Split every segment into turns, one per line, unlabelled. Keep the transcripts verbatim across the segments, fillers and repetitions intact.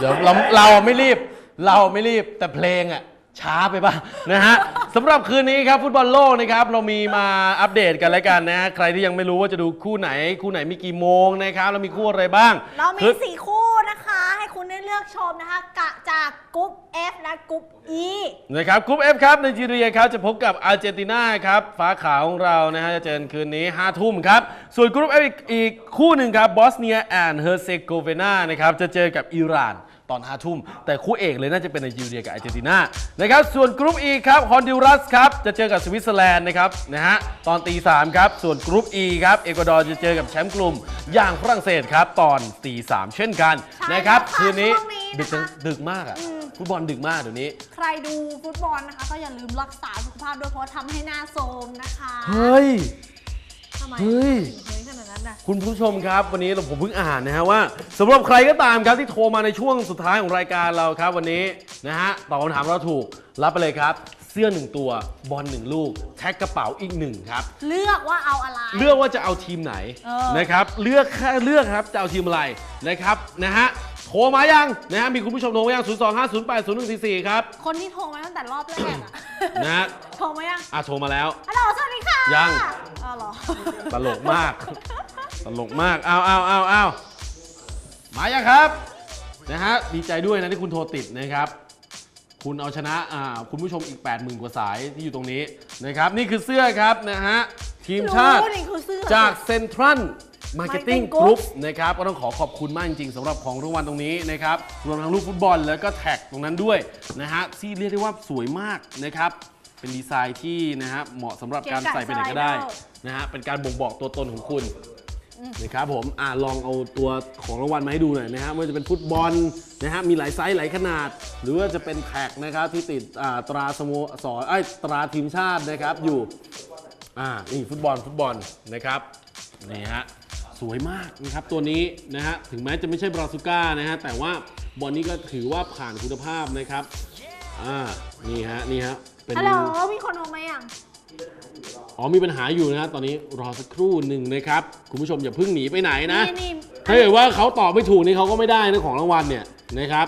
ดี๋ยวเราเราไม่รีบเราไม่รีบแต่เพลงอ่ะช้าไปบ้างนะฮะสำหรับคืนนี้ครับฟุตบอลโลกนะครับเรามีมาอัปเดตกันแล้วกันนะใครที่ยังไม่รู้ว่าจะดูคู่ไหนคู่ไหนมีกี่โมงนะครับเรามีคู่อะไรบ้าง
เรามีสี่คู่นะคะให้คุณได้เลือกชมนะคะกะจากกรุ๊ป F และกรุ๊ป E
นะครับกรุ๊ป F ครับไนจีเรียครับจะพบกับอาร์เจนตินาครับฟ้าขาวของเรานะฮะจะเจอคืนนี้ห้าทุ่มครับส่วนกรุ๊ป F อีกคู่หนึ่งครับบอสเนียแอนด์เฮอร์เซโกเวนานะครับจะเจอกับอิหร่านตอนห้าทุ่มแต่คู่เอกเลยน่าจะเป็นไนจีเรียกับอาร์เจนตินานะครับส่วนกรุ๊ป E ครับฮอนดูรัสครับจะเจอกับสวิตเซอร์แลนด์นะครับนะฮะตอนตีสามครับส่วนกรุ๊ป E ครับเอกวาดอร์จะเจอกับแชมป์กลุ่มอย่างฝรั่งเศสครับตอนตีสามเช่นกันนะครับคืนนี้ดึกดึกมากอ่ะฟุตบอลดึกมากเดี๋ยวนี้
ใครดูฟุตบอลนะคะก็อย่าลืมรักษาสุขภาพด้วยเพราะทำให้หน้าโทรมนะคะ
เฮ้ย
ทำไม
เฮ้ย
เฮ้ยขนาดนั้นนะ
คุณผู้ชมครับวันนี้ผมเพิ่งอ่านนะฮะว่าสำหรับใครก็ตามครับที่โทรมาในช่วงสุดท้ายของรายการเราครับวันนี้นะฮะตอบคำถามเราถูกรับไปเลยครับเสื้อหนึ่งตัวบอลหนึ่งลูกแท็กกระเป๋าอีกหนึ่งครับ
เลือกว่าเอาอะไร
เลือกว่าจะเอาทีมไหนนะครับเลือกแค่เลือกครับจะเอาทีมอะไรนะครับนะฮะโทรมายังนะฮะมีคุณผู้ชมโทรมายังศูนย์ สอง ห้า ศูนย์ แปด ศูนย์ หนึ่ง สี่ สี่ครับ
คนที่โทรมาตั้งแต่รอบแรกอะ
นะฮะ
โทรมายัง
อ่ะโทรมาแล้ว
ฮัลโหลสวัสดีค่ะ
ยัง
อ๋อเหรอ
ตลกมากตลกมากเอาเอาเอาเอามายังครับนะฮะดีใจด้วยนะที่คุณโทรติดนะครับคุณเอาชนะอ่าคุณผู้ชมอีก แปดหมื่น กว่าสายที่อยู่ตรงนี้นะครับนี่คือเสื้อครับนะฮะทีมชาติจากเซ็นทรัลมาร์เก็ตติ้งกรุ๊ปนะครับก็ต้องขอขอบคุณมากจริงๆสำหรับของรางวัลตรงนี้นะครับรวมทั้งลูกฟุตบอลแล้วก็แท็กตรงนั้นด้วยนะฮะที่เรียกได้ว่าสวยมากนะครับเป็นดีไซน์ที่นะฮะเหมาะสำหรับการใส่ไปไหนก็ได้นะฮะเป็นการบ่งบอกตัวตนของคุณนะครับผมอ่าลองเอาตัวของรางวัลมาให้ดูหน่อยนะฮะไม่ว่าจะเป็นฟุตบอลนะฮะมีหลายไซส์หลายขนาดหรือว่าจะเป็นแท็กนะครับที่ติดอ่าตราสโมสรไอ้ตราทีมชาตินะครับอยู่อ่านี่ฟุตบอลฟุตบอลนะครับนี่ฮะสวยมากนะครับตัวนี้นะฮะถึงแม้จะไม่ใช่บราซูก้านะฮะแต่ว่าบอลนี้ก็ถือว่าผ่านคุณภาพนะครับอ่านี่ฮะนี่ฮะ
ฮัลโหลมีคนโทรมายัง
อ๋อมีปัญหาอยู่นะตอนนี้รอสักครู่หนึ่งนะครับคุณผู้ชมอย่าเพิ่งหนีไปไหนนะถ้าเกิดว่าเขาตอบไม่ถูกนี่เขาก็ไม่ได้นะของรางวัลเนี่ยนะครับ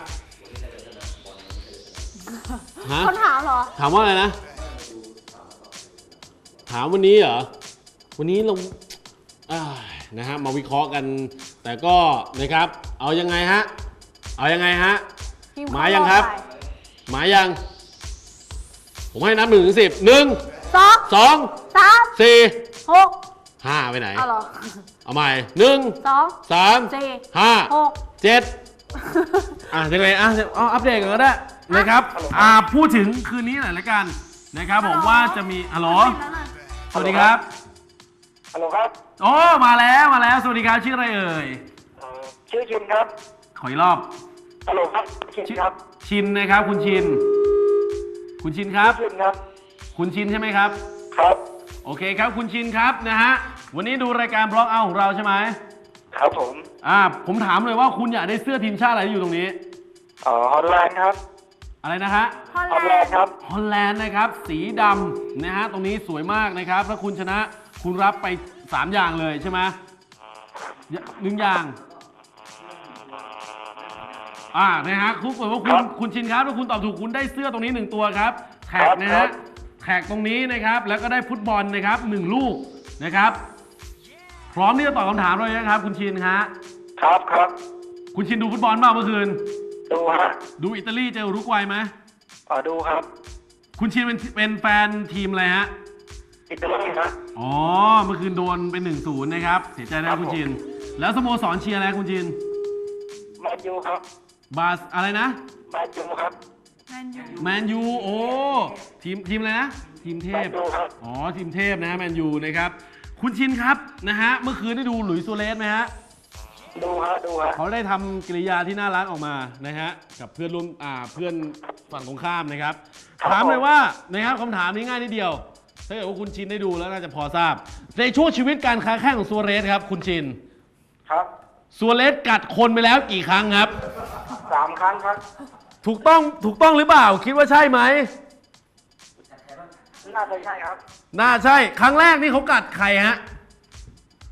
คนถามเหรอ
ถามว่าอะไรนะถามวันนี้เหรอวันนี้เรานะฮะมาวิเคราะห์กันแต่ก็นะครับเอายังไงฮะเอายังไงฮะหมายยังครับหมายยังผมให้นับหนึ่งถึงสิบหนึ่ง
สอง
สอง
สาม
สี่
หก
ห้าไปไหน
เอาเหรอ
เอาใหม่หนึ่ง
สอง
สาม
สี่
ห้า
หก
เจ็ดอ่ะยังไงอ่ะเอาอัปเดตกันก็ได้นะครับอ่าพูดถึงคืนนี้หน่อยละกันนะครับผมว่าจะมีฮัลโหลสวัสดีครับ
ฮัลโหลครับ
โอ้มาแล้วมาแล้วสวัสดีครับชื่ออะไรเอ่ย
ชื่อชินครับ
ขออีกรอบ
ฮัลโหลครับชินครับ
ชินนะครับคุณชินคุณชินครับ
ชินครับ
คุณชินใช่ไหมครับ
ครับ
โอเคครับคุณชินครับนะฮะวันนี้ดูรายการบล็อกเอาของเราใช่ไหม
ครับผม
อ่าผมถามเลยว่าคุณอยากได้เสื้อทีมชาติอะไรที่อยู่ตรงนี้
อ๋อฮอลแลนด์ครับ
อะไรนะฮะ
ฮอลแลนด์
ครับ
ฮอลแลนด์นะครับสีดำนะฮะตรงนี้สวยมากนะครับถ้าคุณชนะคุณรับไปสามอย่างเลยใช่ไหมหนึ่งอย่างอ่านะฮะคุณบอกว่าคุณคุณชินครับถ้าคุณตอบถูกคุณได้เสื้อตรงนี้หนึ่งตัวครับแท็กนะฮะแท็กตรงนี้นะครับแล้วก็ได้ฟุตบอลนะครับหนึ่งลูกนะครับพร้อมที่จะตอบคำถามเลยนะครับคุณชินฮะ
ครับครับ
คุณชินดูฟุตบอลบ้างเมื่อคืน
ดูฮะ
ดูอิตาลีเจออุรุกวัยไหม
อ๋อดูครับ
คุณชินเป็นเป็นแฟนทีมอะไรฮะ
อิตาลีนะ
อ๋อเมื่อคืนโดนเป็นหนึ่งศูนย์นะครับเสียใจนะคุณชินแล้วสโมสรเชียร์อะไรคุณชิน
แมนยูครับ
บาสอะไรนะ
แมนยูครับ
แมนยู
แมนยูโอ้ทีมทีมอะไรนะทีมเทพอ๋อทีมเทพนะแมนยูนะครับคุณชินครับนะฮะเมื่อคืนได้ดูหลุยส์ ซัวเรสไหมฮะ
ดูฮะดูฮะ
เขาได้ทำกิริยาที่น่ารักออกมานะฮะกับเพื่อนร่วมอ่าเพื่อนฝั่งตรงข้ามนะครับถามเลยว่านะครับคำถามนี้ง่ายนิดเดียวถ้าเกิดว่าคุณชินได้ดูแล้วน่าจะพอทราบในช่วงชีวิตการค้าแข่งของซัวเรสครับคุณชิน
ครับ
ซัวเรสกัดคนไปแล้วกี่ครั้งครับ
สามครั้งครับ
ถูกต้องถูกต้องหรือเปล่าคิดว่าใช่ไหม
น่าจะใช่ครับ
น่าใช่ครั้งแรกนี่เขากัดใครฮะ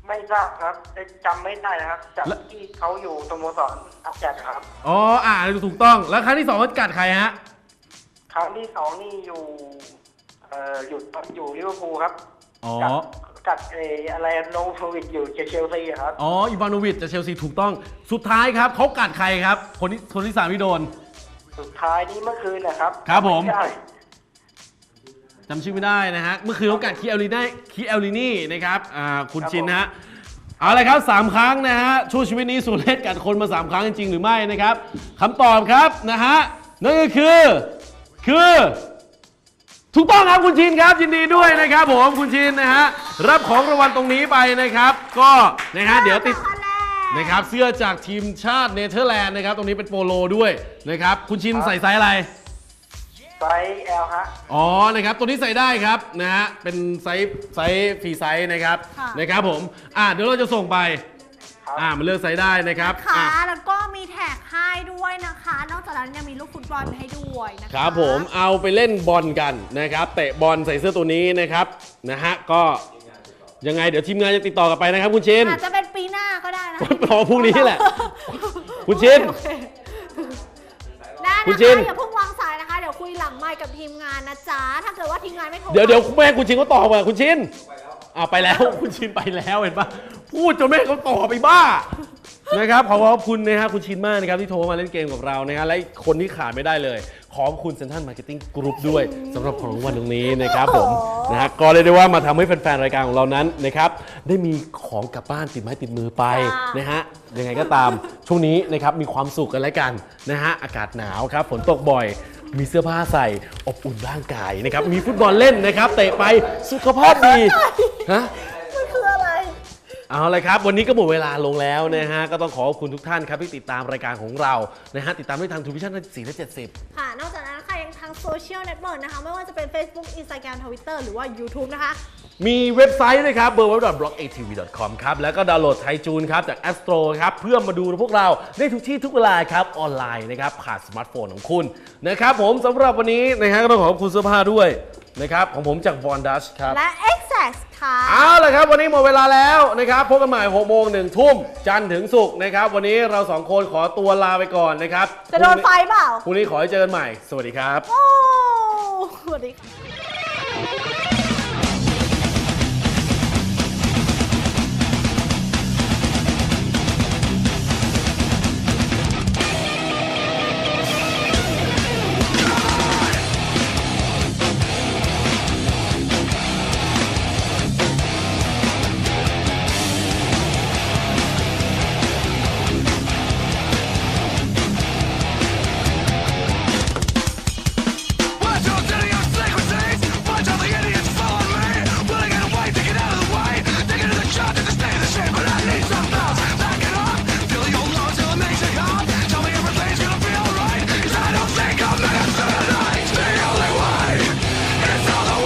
ไม่ทราบครับแต่จำไม่ได้นะครับจากที่เขาอยู่สโมสรอัจฉริครับ
อ๋ออ่าถูกต้องแล้วครั้งที่สองเขากัดใครฮะ
ครั้งที่สองนี่อยู่เอ่ออยู่อยู่ลิเวอร์พูลครับ
อ๋อ
กัดกัดเอออะไรโนโวิดอยู่เชลซีครับ
อ๋ออีวานโนวิชจากเชลซีถูกต้องสุดท้ายครับเขากัดใครครับคนที่คนที่สามที่โดน
สุดท้ายนี้เมื่อคืนนะครับ
ครับผม
ไได้
จำชื่อไม่ได้นะฮะเมื่อคืนเขากัดคีเอลลินีคีเอลลินีนะครับอ่าคุณชินนะฮะเอาเลยครับสามครั้งนะฮะช่วงชีวิตนี้สุเรศกัดคนมาสามครั้งจริงหรือไม่นะครับคำตอบครับนะฮะนั่นก็คือคือถูกต้องครับคุณชินครับยินดีด้วยนะครับผมคุณชินนะฮะรับของรางวัลตรงนี้ไปนะครับ ก็นะฮะเดี๋ยวติดนะครับเสื้อจากทีมชาติเนเธอร์แลนด์นะครับตรงนี้เป็นโปโลด้วยนะครับคุณชินใส่ไซส์อะไร
ไซส์ L ฮะ
อ๋อ นะครับ ตัวนี้ใส่ได้ครับนะฮะ เป็นไซส์ไซส์ฟรีไซส์นะครับ
ค่ะ
นะครับผม อ่าเดี๋ยวเราจะส่งไป
ครับ
อ่ามันเลือกไซส์ได้นะครับ
ค่ะ
อ่ะ
แล้วก็มีแท็กให้ด้วยนะคะ นอกจากนั้นยังมีลูกฟุตบอลให้ด้วยนะคะ
ครับผมเอาไปเล่นบอลกันนะครับ เตะบอลใส่เสื้อตัวนี้นะครับนะฮะ ก็ยังไงเดี๋ยวทีมงานจะติดต่อกลับไปนะครับคุณชิน
อาจจะเป็นปีหน้าก็ได้นะ
รอพรุ่งนี้แหละ คุณชิน
โอเคได้
คุณ
นะ
ชิ
คะ
น
อย่าเพิ่งวางสายนะคะ เดี๋ยวคุยหลังไมค์กับทีมงานนะจ๊ะ ถ้าเกิดว่าทีมงานไม่โทร
เดี๋ยวเดี๋ยวแม่คุณชินเขาตอบมาคุณชินอ่าไปแล้ว คุณชินไปแล้วเห็นปะพูดจนแม่เขาตอบไปบ้านะครับขอขอบคุณนะฮะคุณชินมากนะครับที่โทรมาเล่นเกมกับเรานะฮะและคนที่ขาดไม่ได้เลยขอบคุณเซ็นทรัลมาร์เก็ตติ้งกรุ๊ปด้วยสำหรับของรางวัลตรงนี้นะครับผมนะฮะก็เลยกได้ว่ามาทำให้แฟนๆรายการของเรานั้นนะครับได้มีของกลับบ้านติดไม้ติดมือไปนะฮะยังไงก็ตามช่วงนี้นะครับมีความสุขกันแล้วกันนะฮะอากาศหนาวครับฝนตกบ่อย มีเสื้อผ้าใส่อบอุ่นร่างกายนะครับมีฟุตบอลเล่นนะครับเตะไปสุขภาพดีฮะ
มันคืออะไร
เอาเลยครับวันนี้ก็หมดเวลาลงแล้วนะฮะก็ต้องขอขอบคุณทุกท่านครับที่ติดตามรายการของเรานะฮะติดตามได้ทางทูวิชั่นสี่และเจ็ดสิบ
ค่ะ นอกจากนั้นค่ะยังทางโซเชียลเน็ตเวิร์กนะคะ ไม่ว่าจะเป็น Facebook Instagram Twitter หรือว่า YouTube นะคะ
มีเว็บไซต์ด้วยครับ ดับเบิลยู ดับเบิลยู ดับเบิลยู ดอท บล็อก เอ ที วี ดอท คอม ครับแล้วก็ดาวน์โหลดไทจูนครับจาก App Store ครับเพื่อมาดูพวกเราได้ทุกที่ทุกเวลาครับออนไลน์นะครับผ่านสมาร์ทโฟนของคุณนะครับผมสำหรับวันนี้นะฮะก็ต้องขอบคุณเสื้อผ้าด้วยนะครับของผมจาก Von Dutch ครับ
และ Exact ค่ะ
เอาละครับวันนี้หมดเวลาแล้วนะครับพบกันใหม่หกโมงหนึ่งทุ่มจันทร์ถึงศุกร์นะครับวันนี้เราสองคนขอตัวลาไปก่อนนะครับ
จะโดนไฟเปล่า
พรุ่งนี้ขอให้เจอกันใหม่สวัสดีครับ
โอ้สวัสดีค่ะ